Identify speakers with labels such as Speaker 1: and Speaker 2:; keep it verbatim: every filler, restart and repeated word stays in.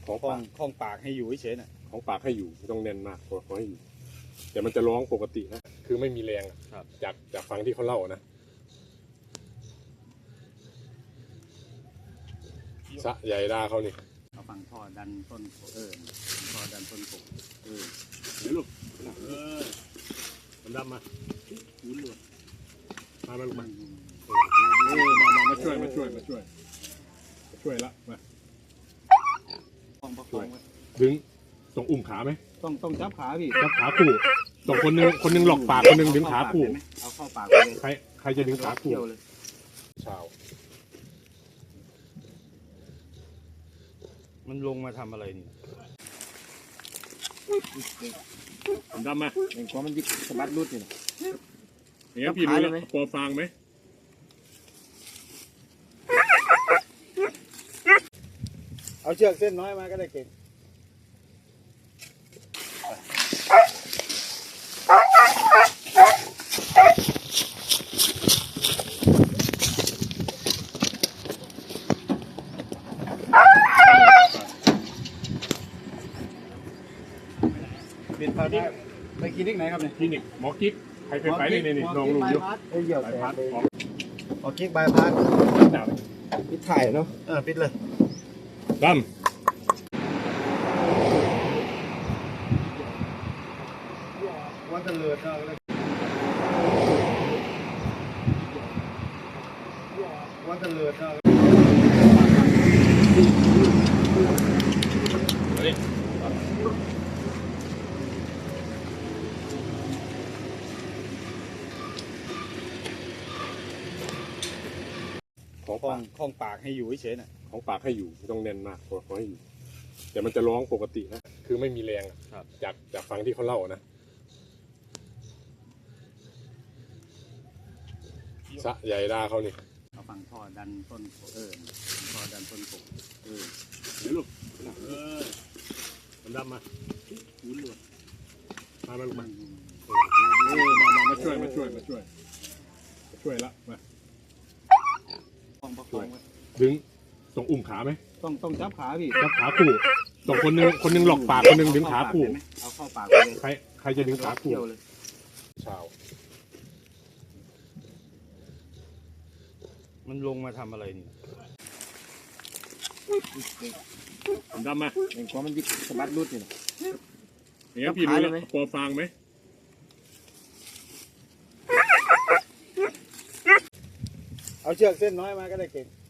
Speaker 1: ของ
Speaker 2: คล้อ
Speaker 1: ปาง ก
Speaker 2: คล้องปากให้อยู่เฉยๆน่ะ
Speaker 1: ของปากให้อยู่ไม่ต้องแน่นมากพอพอให้อยู่แต่มันจะร้องปกตินะคือไม่มีแรงอะ
Speaker 2: ครับ
Speaker 1: จากจากฟังที่เขาเล่านะสะใหญ่ดาเขานี่
Speaker 2: เอาฟังท่อดันต้นเออท่อดันต้นกบเออ
Speaker 1: เดี๋ยวลูกเออมันดำมา
Speaker 2: หูหลุด
Speaker 1: มามาลูก
Speaker 2: มั
Speaker 1: มาน เออมามามาช่วยมาช่วยมาช่วยมาช่วยละมา
Speaker 2: คล้องประคองไว้
Speaker 1: ดึงส่งอุ้มขาไหม
Speaker 2: ต้องต้องจับขาพี่
Speaker 1: จับขาคู่ส่งคนหนึงคนหนึงหลอกปากคนหนึงดึงขาคู่
Speaker 2: เอาเข้าปากไปเลย
Speaker 1: ใครใครจะดึงขาคู่
Speaker 2: เที่ยวเลย
Speaker 1: ชาว
Speaker 2: มันลงมาทำอะไรนี่
Speaker 1: มันดำมา
Speaker 2: เองก็มันยิกสะบัดรุดอยู่
Speaker 1: อย่างนี้พี่รู้แล้วพอฟังไหม
Speaker 2: เอาเชือกเส้นน้อยมาก็ได้เก่งเป็นพาที่ไปคลินิกไหนครับเนี่ย
Speaker 1: คลินิกหมอกิ๊กใครเคยไปนี่นี่นี่ลองดูอยู่
Speaker 2: เอ้ยเหี่ยว
Speaker 1: ไป
Speaker 2: แส
Speaker 1: พั
Speaker 2: ง
Speaker 1: ด
Speaker 2: เลย
Speaker 1: ของ
Speaker 2: หมอกิ๊กบายพาส
Speaker 1: หนาว
Speaker 2: ปิดถ่ายเนาะเออปิดเลย
Speaker 1: ด
Speaker 2: วันตะเลิดเอาเลยวันตะเลิดเอา
Speaker 1: ำมาดิของ
Speaker 2: คล้อ
Speaker 1: ปาง ก
Speaker 2: คล้องปากให้อยู่เฉยๆน่ะ
Speaker 1: ของปากให้อยู่ไม่ต้องแน่นมากพอพอให้อยู่แต่มันจะร้องปกตินะคือไม่มีแรงอะ
Speaker 2: ครับ
Speaker 1: จากจากฟังที่เขาเล่านะสะใหญ่ดาเขานี่
Speaker 2: เอาฟังท่อดันต้นเออท่อดันต้นกบเออ
Speaker 1: เดี๋ยวลูกเออมันดำมา
Speaker 2: หูหลุด
Speaker 1: มามาลูก
Speaker 2: มั
Speaker 1: มาน เออมามามาช่วยมาช่วยมาช่วยมาช่วยละมา
Speaker 2: คล้องประคองไว้
Speaker 1: ดึงส่งอุ้มขาไหม
Speaker 2: ต้องต้องจับขาพี่
Speaker 1: จับขาคู่ส่งคนหนึงคนหนึงหลอกปากคนหนึงดึงขาคู่
Speaker 2: เอาเข้าปากไปเลย
Speaker 1: ใครใครจะดึงขาคู่
Speaker 2: เที่ยวเลย
Speaker 1: ชาว
Speaker 2: มันลงมาทำอะไรนี่
Speaker 1: มันดำมา
Speaker 2: เองก็มันยิกสะบัดรุดอยู่
Speaker 1: อย่างนี้พี่รู้แล้วพอฟังไหม
Speaker 2: เอาเชือกเส้นน้อยมาก็ได้เก่ง